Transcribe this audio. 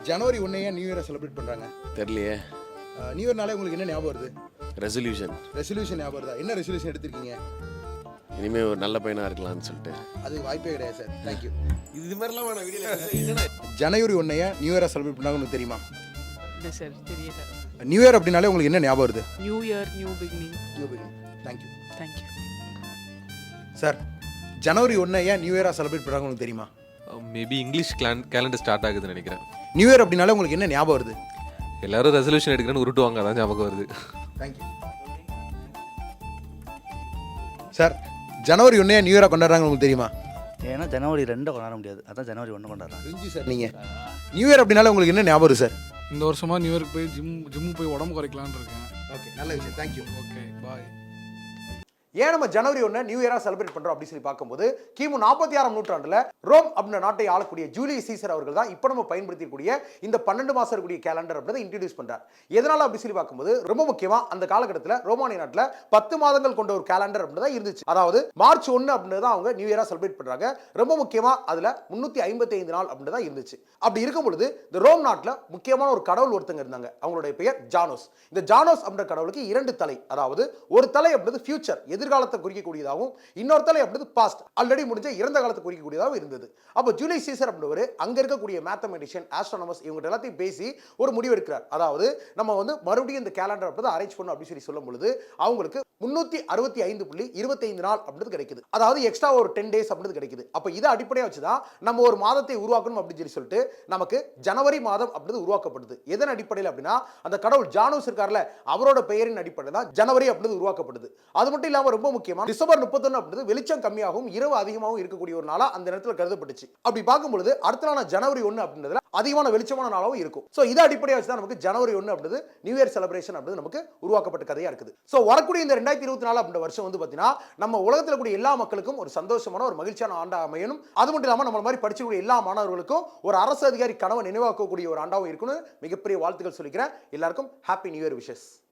ஜனவரி 1 ஏன் new இயரை celebrate பண்ணுறாங்க? தெரியலையே. நியூ இயர்னாலே உங்களுக்கு என்ன ஞாபகம் வருது? ரெசல்யூஷன். ரெசல்யூஷன் ஞாபகம் வருதா? என்ன ரெசல்யூஷன் எடுத்திருக்கீங்க? இனிமேல் ஒரு நல்ல பையனாக இருக்கலாம்னு சொல்லிட்டு. அது வாய்ப்பே கிடையாது சார். தேங்க்யூ. இது மாதிரிலாம் வேணாம் வீடியோவில். ஜனவரி 1 ஏன் நியூ இயரை செலிப்ரேட் பண்ணாங்க உங்களுக்கு தெரியுமா? இல்லை சார், தெரியல. நியூ இயர் அப்படின்னாலே உங்களுக்கு என்ன ஞாபகம் வருது? New year, new beginning. New beginning. Thank you. Thank you sir, ஜனவரி 1 ஏன் நியூ இயராக செலிப்ரேட் பண்ணுறாங்க உங்களுக்கு தெரியுமா? மேபி இங்கிலீஷ் கேலண்டர் ஸ்டார்ட் ஆகுதுன்னு நினைக்கிறேன். நியூ இயர் அப்படின்னாலே உங்களுக்கு என்ன ஞாபகம் வருது? எல்லாரும் ரெசல்யூஷன் எடுக்கிறேன்னு உருட்டுவாங்க, அதான் ஞாபகம் வருது. தேங்க்யூ. சார், ஜனவரி 1 ஏன் நியூ இயராக கொண்டாடுறாங்க உங்களுக்கு தெரியுமா? ஏன்னா ஜனவரி 2 கொண்டாட முடியாது, அதான் ஜனவரி 1 கொண்டாடுறாங்க. தெரிஞ்சு சார். நீங்கள் நியூ இயர் அப்படின்னாலே உங்களுக்கு என்ன ஞாபகம் வருது சார்? இந்த வருஷமா நியூ இயர்க்கு போய் ஜிம்மு போய் உடம்பு குறைக்கலான்னு இருக்கேன். ஓகே, நல்ல விஷயம். தேங்க்யூ. Okay, bye. ஏன் நம்ம ஜனவரி 1 நியூ இயரா செலிப்ரேட் பண்றோம் அப்படின்னு சொல்லி பார்க்கும்போது, கிமு 46ஆம் நூற்றாண்டுல ரோம் அப்படின்ற நாட்டை ஆளக்கூடிய ஜூலியஸ் சீசர் அவர்கள் தான் இப்போ நம்ம பயன்படுத்தக்கூடிய இந்த 12 மாசம் இருக்கக்கூடிய கேலண்டர் அப்படின்றத இன்ட்ரடியூஸ் பண்றார். எதனால அப்படி சொல்லி பார்க்கும்போது, ரொம்ப முக்கியமா அந்த காலகட்டத்தில் ரோமானிய நாட்டில் 10 மாதங்கள் கொண்ட ஒரு கேலண்டர் அப்படின்றத இருந்துச்சு. அதாவது மார்ச் 1 அப்படின்றத அவங்க நியூ இயரா செலிப்ரேட் பண்றாங்க. ரொம்ப முக்கியமா அதுல 355 நாள் அப்படின்றத இருந்துச்சு. அப்படி இருக்கும் பொழுது இந்த ரோம் நாட்டில் முக்கியமான ஒரு கடவுள் ஒருத்தங்க இருந்தாங்க. அவங்களுடைய பெயர் ஜானோஸ். இந்த ஜானோஸ் அப்படின்ற கடவுளுக்கு 2 தலை, அதாவது ஒரு தலை அப்படின்றது ஃபியூச்சர், எதிர்காலத்தை குறிக்கக்கூடியதாகவும், இன்னொரு தலை அப்படின்றது பாஸ்ட், ஆல்ரெடி முடிஞ்ச இறந்த காலத்தை குறிக்கக்கூடியதாகவும் இருந்தது. அப்போ ஜூலியஸ் சீசர் அப்படின்றவர் அங்க இருக்கக்கூடிய மேத்தமெட்டிஷியன், ஆஸ்ட்ரோனமர்ஸ் இவங்க எல்லாத்தையும் பேசி ஒரு முடிவு எடுக்கிறார். அதாவது நம்ம மறுபடியும் இந்த கேலண்டர் அப்படின்றத அரேஞ்ச் பண்ணணும் அப்படின்னு சொல்லி சொல்லும் பொழுது அவங்களுக்கு 365.25 நாள் அப்படின்றது கிடைக்குது. அதாவது எக்ஸ்ட்ரா ஒரு 10 டேஸ் அப்படின்றது கிடைக்குது. அப்போ இதை அடிப்படையாக வச்சுதான் நம்ம ஒரு மாதத்தை உருவாக்கணும் அப்படின்னு சொல்லிட்டு நமக்கு ஜனவரி மாதம் அப்படின்றது உருவாக்கப்படுது. எதன் அடிப்படையில் அப்படின்னா, அந்த கடவுள் ஜானோஸ் இருக்கார்ல, அவரோட பெயரின் அடிப்படையில் தான் ஜனவரி அப்படின்றது உருவாக்கப்படுது. அது மட்டும் இல்லாமல் ரொம்ப முக்கியமா டிசம்பர் 31 அப்படின்றது வெளிச்சம் கம்மியாகவும் இரவு அதிகமாகவும் இருக்கக்கூடிய ஒரு நாளா அந்த நேரத்தில் கருதப்பட்டுச்சு. அப்படி பார்க்கும்பொழுது அடுத்த நாள் ஜனவரி 1 அப்படின்றதுல அதிகமான வெளிச்சமான நாளாகவும் இருக்கும். ஸோ இதை அடிப்படையாக வச்சு தான் நமக்கு ஜனவரி 1 அப்படின்றது நியூ இயர் செலிப்ரேஷன் அப்படின்றது நமக்கு உருவாக்கப்பட்ட கதையா இருக்குது. ஸோ வரக்கூடிய இந்த 2024 அப்படின்ற வருஷம் பார்த்தீங்கன்னா, நம்ம உலகத்தில் கூடிய எல்லா மக்களுக்கும் ஒரு சந்தோஷமான ஒரு மகிழ்ச்சியான ஆண்டா அமையணும். அது மட்டும் இல்லாமல் நம்ம மாதிரி படிச்சக்கூடிய எல்லா மாணவர்களுக்கும் ஒரு அரசு அதிகாரி கனவை நினைவாக்கக்கூடிய ஒரு ஆண்டாவும் இருக்கணும். மிகப்பெரிய வாழ்த்துக்கள் சொல்லிக்கிறேன். எல்லாருக்கும் ஹாப்பி நியூ இயர் விஷஸ்.